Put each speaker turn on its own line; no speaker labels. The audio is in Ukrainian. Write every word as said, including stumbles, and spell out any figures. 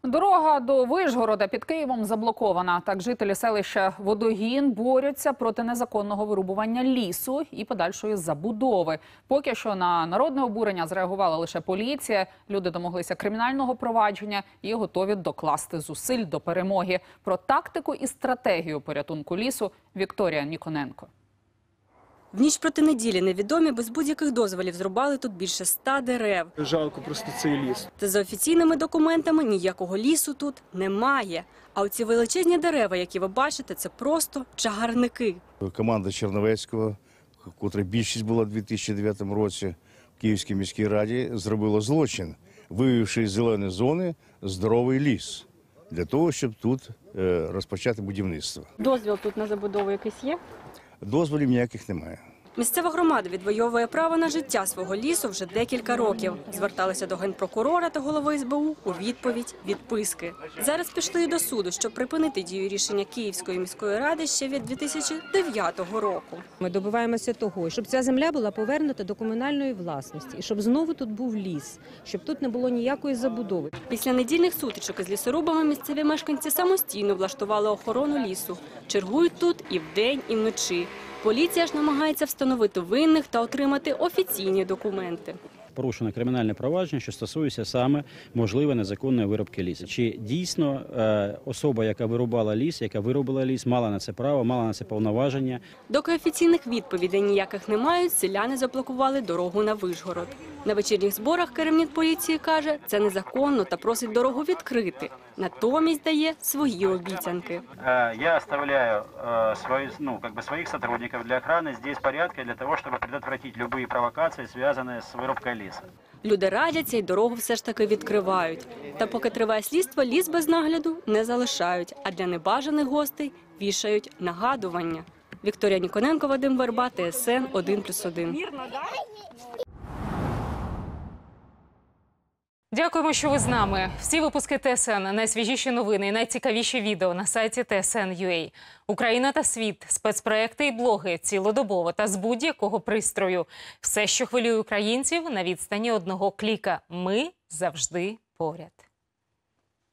Дорога до Вишгорода під Києвом заблокована. Так жителі селища Водогін борються проти незаконного вирубування лісу і подальшої забудови. Поки що на народне обурення зреагувала лише поліція. Люди домоглися кримінального провадження і готові докласти зусиль до перемоги. Про тактику і стратегію порятунку лісу Вікторія Ніконенко.
В ніч проти неділі невідомі без будь-яких дозволів зрубали тут більше ста дерев.
Жалко просто цей ліс.
Та за офіційними документами ніякого лісу тут немає. А оці величезні дерева, які ви бачите, це просто чагарники.
Команда Черновецького, котра більшість була в дві тисячі дев'ятому році в Київській міській раді, зробила злочин, виявивши з зеленої зони здоровий ліс для того, щоб тут розпочати будівництво.
Дозвіл тут на забудову якийсь є?
Дозволів ніяких немає.
Місцева громада відвоює право на життя свого лісу вже декілька років. Зверталися до генпрокурора та голови ес бе у у відповідь – відписки. Зараз пішли і до суду, щоб припинити дію рішення Київської міської ради ще від дві тисячі дев'ятого року.
Ми добиваємося того, щоб ця земля була повернута до комунальної власності, і щоб знову тут був ліс, щоб тут не було ніякої забудови.
Після недільних сутичок із лісорубами місцеві мешканці самостійно влаштували охорону лісу. Чергують тут і вдень, і вночі. Поліція ж намагається встановити винних та отримати офіційні документи.
Порушено кримінальне провадження, що стосується саме можливої незаконної вирубки лісу. Чи дійсно особа, яка вирубала ліс, яка вирубила ліс, мала на це право, мала на це повноваження?
Доки офіційних відповідей ніяких не мають, селяни заблокували дорогу на Вишгород. На вечірніх зборах керівник поліції каже, це незаконно та просить дорогу відкрити. Натомість дає свої обіцянки.
Я оставляю свої, ну, как бы своїх сотрудників для охорони здесь порядка для того, щоб предотвратити будь-які провокації, зв'язані з вирубкою лісу.
Люди радяться і дорогу все ж таки відкривають. Та поки триває слідство, ліс без нагляду не залишають, а для небажаних гостей вішають нагадування. Вікторія Ніконенко, Вадим Верба, Т С Н один плюс один.
Дякуємо, що ви з нами. Всі випуски Т С Н, найсвіжіші новини і найцікавіші відео на сайті Т С Н крапка Ю А. Україна та світ, спецпроекти і блоги цілодобово та з будь-якого пристрою. Все, що хвилює українців, на відстані одного кліка. Ми завжди поряд.